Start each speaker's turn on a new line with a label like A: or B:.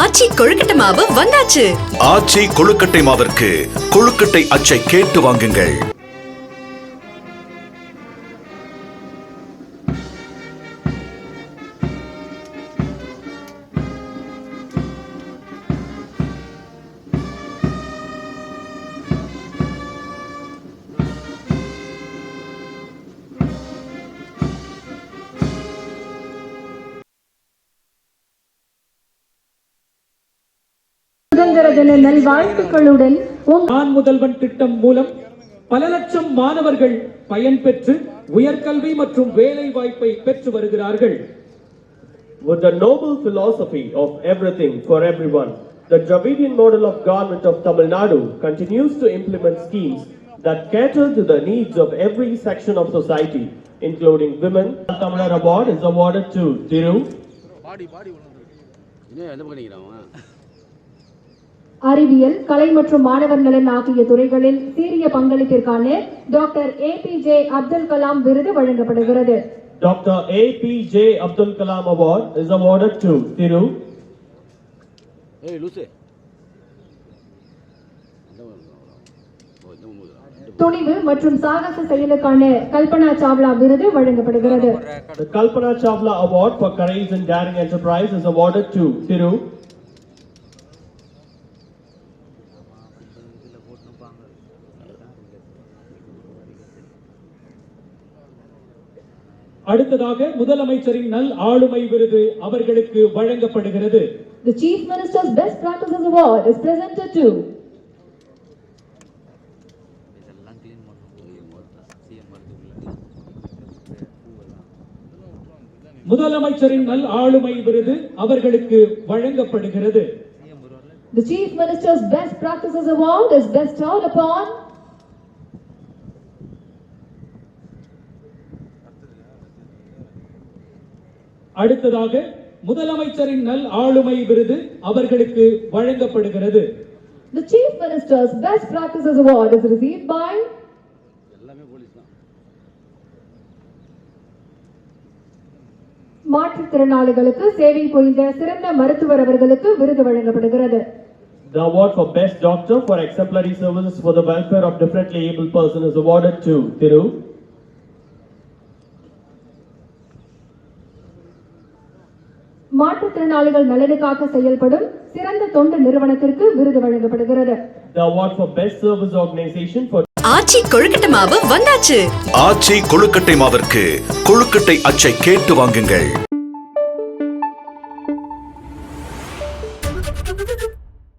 A: ஆச்சி கொழுக்கட்டை மாவு வந்தாச்சு.
B: ஆச்சி கொழுக்கட்டை மாவிற்கு கொழுக்கட்டை அச்சை கேட்டு வாங்குங்கள்.
C: சுதந்திர தின நல்வாழ்த்துக்களுடன்
D: நான் முதல்வன் திட்டம் மூலம் பல லட்சம் மாணவர்கள் பயன்பெற்று உயர்கல்வி மற்றும் வேலை வாய்ப்பை பெற்று வருகிறார்கள்.
E: With the noble philosophy of everything for everyone, the Dravidian model of government of Tamil Nadu continues to implement schemes that cater to the needs of every section of society, including women. The Tamil Award is awarded to Thiru.
C: அறிவியல், கலை மற்றும் மாணவர் நலன் ஆகிய துறைகளில் சீரிய பங்களிப்பிற்கான டாக்டர் APJ Abdul Kalam விருது வழங்கப்படுகிறது.
E: Dr. APJ Abdul Kalam Award is awarded to Thiru.
C: துணிவு மற்றும் சாகச செயலுக்கான கல்பனா சாவ்லா விருது வழங்கப்படுகிறது.
E: The Kalpana Chawla Award for Courage and Daring Enterprise is awarded to Thiru.
D: அடுத்ததாக முதலமைச்சரின் நல் ஆளுமை விருது அவர்களுக்கு வழங்கப்படுகிறது.
C: The Chief Minister's Best Practices Award is presented to
D: முதலமைச்சரின் நல் ஆளுமை விருது அவர்களுக்கு வழங்கப்படுகிறது.
C: The Chief Minister's Best Practices Award is bestowed upon
D: அடுத்ததாக முதலமைச்சரின் நல் ஆளுமை விருது அவர்களுக்கு வழங்கப்படுகிறது.
C: The Chief Minister's Best Practices Award is received by மாற்றுத்திறனாளிகளுக்கு சேவை புரிந்த சிறந்த மருத்துவர் அவர்களுக்கு விருது வழங்கப்படுகிறது.
E: The award for Best Doctor for exemplary services for the welfare of differently able person is awarded to Thiru.
C: மாற்றுத்திறனாளிகள் நலனுக்காக செயல்படும் சிறந்த தொண்டு நிறுவனத்திற்கு விருது வழங்கப்படுகிறது.
E: The award for Best Service Organization for
A: ஆச்சி கொழுக்கட்டை மாவு வந்தாச்சு.
B: ஆச்சி கொழுக்கட்டை மாவிற்கு கொழுக்கட்டை அச்சை கேட்டு வாங்குங்கள்.